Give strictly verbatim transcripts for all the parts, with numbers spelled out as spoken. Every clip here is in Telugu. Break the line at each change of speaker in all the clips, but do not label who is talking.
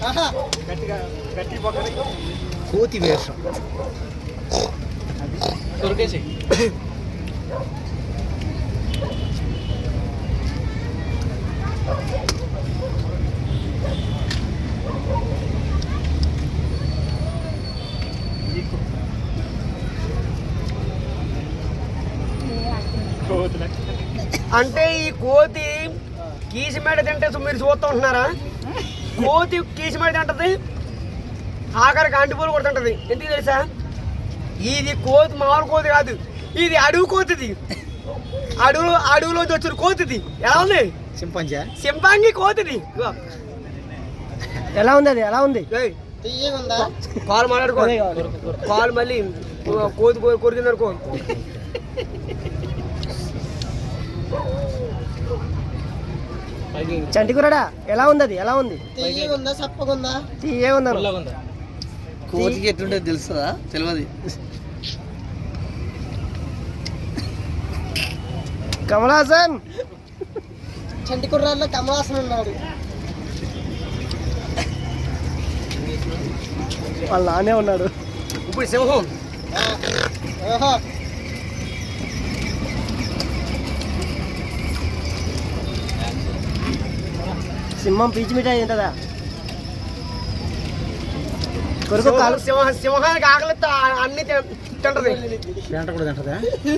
కోతి వేషం దొరికేసి
అంటే ఈ కోతి కీసిమేడ తింటే మీరు చూస్తూ ఉంటున్నారా? కోతి కీసిమేడ తింటది, ఆఖరికి అంటిపూలు కూడా తింటది. ఎందుకు తెలుసా? ఇది కోతి మామూలు కోతి కాదు, ఇది అడవి కోతిది. అడవు అడవులోంచి వచ్చిన కోతిది. ఎలా ఉంది?
సింపంజా
సింపాంగి కోతిది.
ఎలా ఉంది? అది ఎలా ఉంది?
కాలు మాట్లాడుకో, కాలు మళ్ళీ కోతి కొరికిందనుకో.
చంటికురడా ఎలా ఉంది? అది ఎలా ఉంది?
తీయగుందా సప్పగుందా?
తీయగుందా?
కోతికి ఎట్లుంటుంది తెలుస్తుందా? తెలియదు.
కమలాసన్
చంటికుర్రాల్లో కమలాసన్ ఉన్నాడు.
వాళ్ళ నానే ఉన్నాడు.
ఇప్పుడు సింహం
సింహం పీచు మిఠాయి తింటదా? కొరకు కాలు
సింహ సింహానికి ఆకలితో అన్ని తింటది.
పేంట కూడా తింటదా?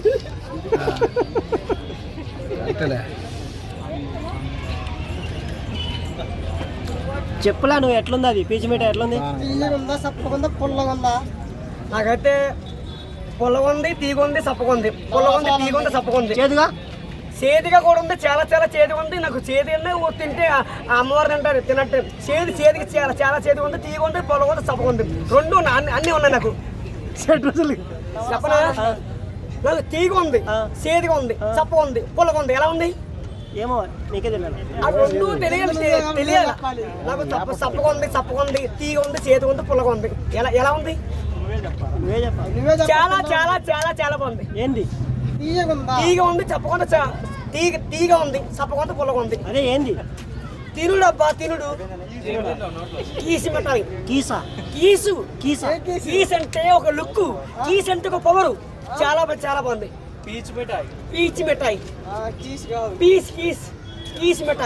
చెప్పులా నువ్వు ఎట్లుంది? అది పీచు మిఠాయి ఎట్లుంది?
తీయగుందా సప్పగుందా పుల్లగుందా? నాకైతే పుల్లగుంది, తీగుంది, సప్పగుంది. పుల్లగుంది, తీగుంది, సప్పగుంది.
చేదుగా
చేతిగా కూడా ఉంది, చాలా చాలా చేతిగా ఉంది. నాకు చేతి తింటే అమ్మవారు తింటారు తినట్టు. చేతి చేతికి చాలా చాలా చేతిగా ఉంది, తీగ ఉంది, పొలం ఉంది, సప్పగా ఉంది. రెండు అన్ని అన్నీ ఉన్నాయి నాకు. చెప్పనా? నాకు తీగ ఉంది, చేతిగా ఉంది, సప్పగా ఉంది, పొలగా ఉంది. ఎలా ఉంది?
ఏమో నీకే తెలియాలి.
ఆ రెండు తెలియాలి తెలియాలి నాకు. సప్ప సప్పగా ఉంది, సప్పగా ఉంది, తీగ ఉంది, చేతిగా ఉంది, పుల్లగా ఉంది. ఎలా ఎలా ఉంది?
నువ్వే చెప్పాలి.
చాలా చాలా చాలా చాలా బాగుంది.
ఏంది?
తీగ ఉంది, చెప్పకుండా తీగ తీగ ఉంది, సప్పకొంత పుల్లగా ఉంది.
అదే ఏంది?
తినుడు అబ్బా, తినుడు. కీసి మిఠాయి.
కీసా?
కీసు
కీసా?
కీస్ అంటే ఒక లుక్, కీస్ అంటే ఒక పవరు. చాలా చాలా బాగుంది.
పీచు మిఠాయి.
పీచు మిఠాయి. పీస్ కీస్ కీస్ మిఠాయి.